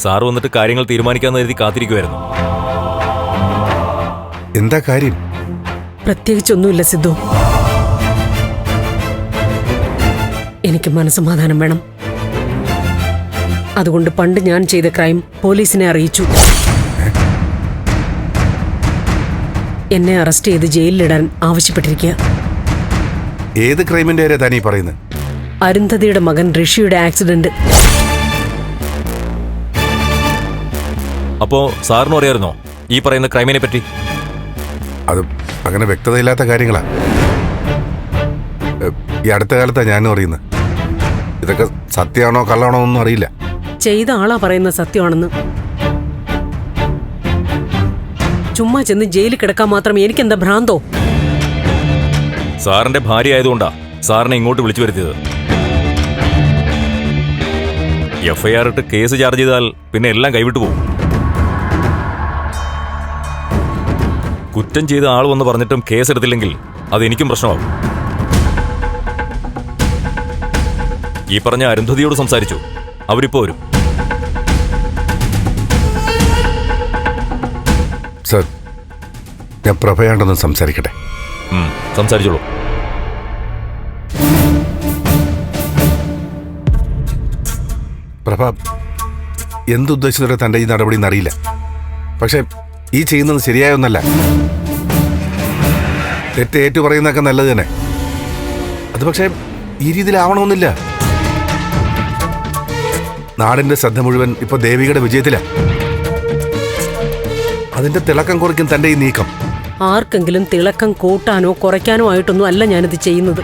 Sir വന്നിട്ട് കാര്യങ്ങൾ തീരുമാനിക്കാന്ന് കരുതി കാത്തിരിക്കുമായിരുന്നു. എന്താ കാര്യം? പ്രത്യേകിച്ചൊന്നുമില്ല സിദ്ധു. എനിക്ക് മനസ്സമാധാനം വേണം. അതുകൊണ്ട് പണ്ട് ഞാൻ ചെയ്ത ക്രൈം പോലീസിനെ അറിയിച്ചു. എന്നെ അറസ്റ്റ് ചെയ്ത് ജയിലിലിടാൻ ആവശ്യപ്പെട്ടിരിക്കുക. ഏത് ക്രൈമിന്റെ കാര്യം താനീ പറയുന്നത്? അരുന്ധതിയുടെ മകൻ ഋഷിയുടെ ആക്സിഡന്റ്. അപ്പോ സാറിനും അറിയായിരുന്നോ ഈ പറയുന്ന ക്രൈമിനെ പറ്റി? അത് അങ്ങനെ വ്യക്തതയില്ലാത്ത കാര്യങ്ങളാ. ഈ അടുത്ത കാലത്താ ഞാനും അറിയുന്നത്. ഇതൊക്കെ സത്യമാണോ കള്ളാണോ ഒന്നും അറിയില്ല. ചെയ്ത ആളാ പറയുന്ന സത്യമാണെന്ന്. ചുമ്മാ ചെന്ന് ജയിലിൽ കിടക്കാൻ മാത്രം എനിക്കെന്താ ഭ്രാന്തോ? സാറിന്റെ ഭാര്യ ആയതുകൊണ്ടാ സാറിനെ ഇങ്ങോട്ട് വിളിച്ചു വരുത്തിയത്. FIR ഇട്ട് കേസ് ചാർജ് ചെയ്താൽ പിന്നെ എല്ലാം കൈവിട്ടു പോകും. കുറ്റം ചെയ്ത ആൾ വന്ന് പറഞ്ഞിട്ടും കേസെടുത്തില്ലെങ്കിൽ അത് എനിക്കും പ്രശ്നമാകും. ഈ പറഞ്ഞ അരുന്ധതിയോട് സംസാരിച്ചു. അവരിപ്പോ വരും. സർ, ഞാൻ പ്രഭയാണ്ടെന്ന് സംസാരിക്കട്ടെ? സംസാരിച്ചോളൂ. പ്രഭ, എന്തുദ്ദേശത്തോടെ തൻ്റെ ഈ നടപടി എന്നറിയില്ല. പക്ഷെ ഈ ചെയ്യുന്നത് ശരിയായൊന്നല്ല. തെറ്റ് ഏറ്റു പറയുന്നതൊക്കെ നല്ലത് തന്നെ. അത് പക്ഷേ ഈ രീതിയിലാവണമെന്നില്ല. നാടിന്റെ ശ്രദ്ധ മുഴുവൻ ഇപ്പൊ ദേവികയുടെ വിജയത്തിലാണ്. അതിന്റെ തിളക്കം കുറയ്ക്കും തന്റെ ഈ നീക്കം. ആർക്കെങ്കിലും തിളക്കം കൂട്ടാനോ കുറയ്ക്കാനോ ആയിട്ടൊന്നും അല്ല ഞാനിത് ചെയ്യുന്നത്.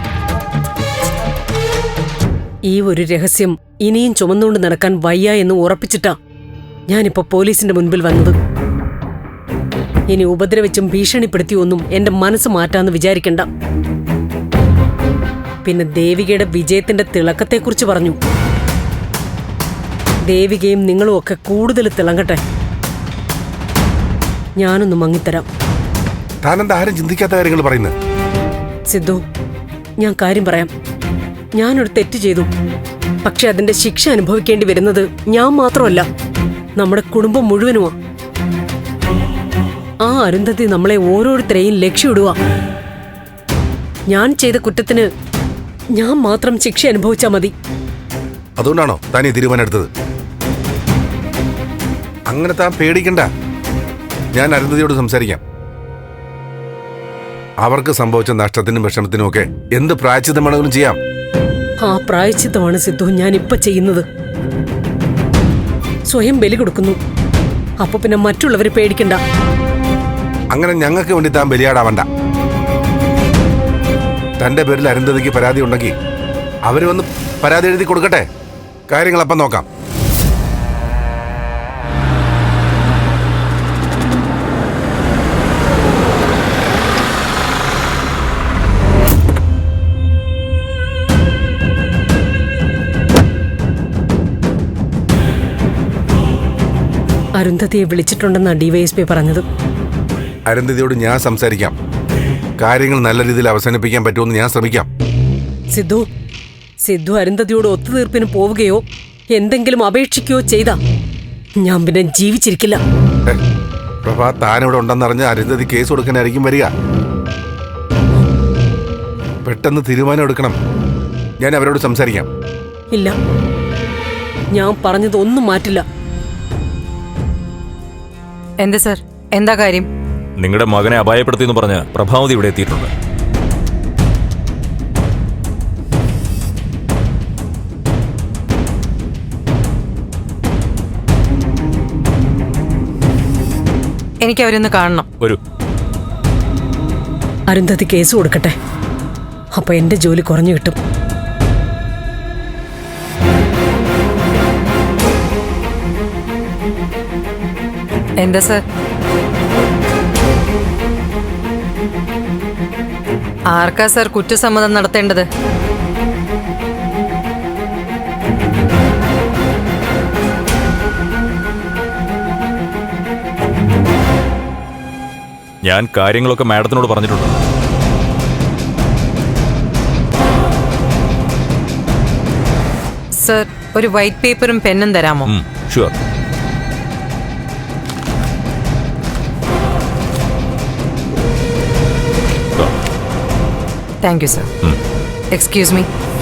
ഈ ഒരു രഹസ്യം ഇനിയും ചുമന്നുകൊണ്ട് നടക്കാൻ വയ്യ എന്ന് ഉറപ്പിച്ചിട്ടാ ഞാനിപ്പോ പോലീസിന്റെ മുൻപിൽ വന്നത്. ഇനി ഉപദ്രവിച്ചും ഭീഷണിപ്പെടുത്തിയൊന്നും എന്റെ മനസ്സ് മാറ്റാന്ന് വിചാരിക്കണ്ട. പിന്നെ ദേവികയുടെ വിജയത്തിന്റെ തിളക്കത്തെക്കുറിച്ച് പറഞ്ഞു. ദേവികയും നിങ്ങളും ഒക്കെ കൂടുതൽ തിളങ്ങട്ടെ. ഞാനൊന്ന് മങ്ങിത്തരാം. താനെന്താ ആരും ചിന്തിക്കാത്ത കാര്യങ്ങൾ പറയുന്നത്? സിദ്ധു, ഞാൻ കാര്യം പറയാം. ഞാനൊരു തെറ്റ് ചെയ്തു. പക്ഷെ അതിന്റെ ശിക്ഷ അനുഭവിക്കേണ്ടി വരുന്നത് ഞാൻ മാത്രമല്ല, നമ്മുടെ കുടുംബം മുഴുവനുമാ. ആ അരുന്ധതി നമ്മളെ ഓരോരുത്തരെയും ലക്ഷ്യമിടുക. ഞാൻ ചെയ്ത കുറ്റത്തിന് ഞാൻ മാത്രം ശിക്ഷ അനുഭവിച്ചാൽ മതി. അതുകൊണ്ടാണോ താൻ ഈ തീരുമാനം എടുത്തത്? അങ്ങനെ താൻ പേടിക്കണ്ട. ഞാൻ അരുന്ധതിയോട് സംസാരിക്കാം. അവർക്ക് സംഭവിച്ച നഷ്ടത്തിനും വിഷമത്തിനും ഒക്കെ എന്ത് പ്രായശ്ചിത്തം വേണമെങ്കിലും ചെയ്യാം. ആ പ്രായശ്ചിത്തമാണ് സിദ്ധു ഞാൻ ഇപ്പൊ ചെയ്യുന്നത്. സ്വയം ബലി കൊടുക്കുന്നു. അപ്പൊ പിന്നെ മറ്റുള്ളവരെ പേടിക്കണ്ട. അങ്ങനെ ഞങ്ങൾക്ക് വേണ്ടി താൻ ബലിയാടാവണ്ട. തന്റെ പേരിൽ അരുന്ധതിക്ക് പരാതി ഉണ്ടെങ്കിൽ അവര് വന്ന് പരാതി എഴുതി കൊടുക്കട്ടെ. കാര്യങ്ങളപ്പം നോക്കാം. അരുന്ധതിയെ വിളിച്ചിട്ടുണ്ടെന്നാ DYSP പറഞ്ഞത്. അരുന്ധതിയോട് ഞാൻ സംസാരിക്കാം. കാര്യങ്ങൾ നല്ല രീതിയിൽ അവസാനിപ്പിക്കാൻ പറ്റുമെന്ന് ഞാൻ ശ്രമിക്കാം. സിദ്ധു അരുന്ധതിയോട് ഒത്തുതീർപ്പിന് പോവുകയോ എന്തെങ്കിലും അപേക്ഷിക്കുകയോ ചെയ്താ ഞാൻ പിന്നെ ജീവിച്ചിരിക്കില്ല. പ്രഭ, താനിവിടെ ഉണ്ടെന്നറിഞ്ഞ് അരുന്ധതി കേസ് കൊടുക്കാനായിരിക്കും വരിക. പെട്ടെന്ന് തീരുമാനം എടുക്കണം. ഞാൻ അവരോട് സംസാരിക്കാം. ഇല്ല, ഞാൻ പറഞ്ഞത് ഒന്നും മാറ്റില്ല. എന്താ സർ, എന്താ കാര്യം? നിങ്ങളുടെ മകനെ അപായപ്പെടുത്തിയെന്ന് പറഞ്ഞ് പ്രഭാവതി ഇവിടെ എത്തിയിട്ടുണ്ട്. എനിക്ക് അവരൊന്ന് കാണണം. വരൂ. അരുന്ധതി കേസ് കൊടുക്കട്ടെ. അപ്പൊ എന്റെ ജോലി കുറഞ്ഞു കിട്ടും. എന്താ സർ? ആർക്കാ സർ കുറ്റസമ്മതം നടത്തേണ്ടത്? ഞാൻ കാര്യങ്ങളൊക്കെ മാഡത്തിനോട് പറഞ്ഞിട്ടുണ്ട്. സർ, ഒരു വൈറ്റ് പേപ്പറും പെന്നും തരാമോ? Sure. Thank you sir. Excuse me.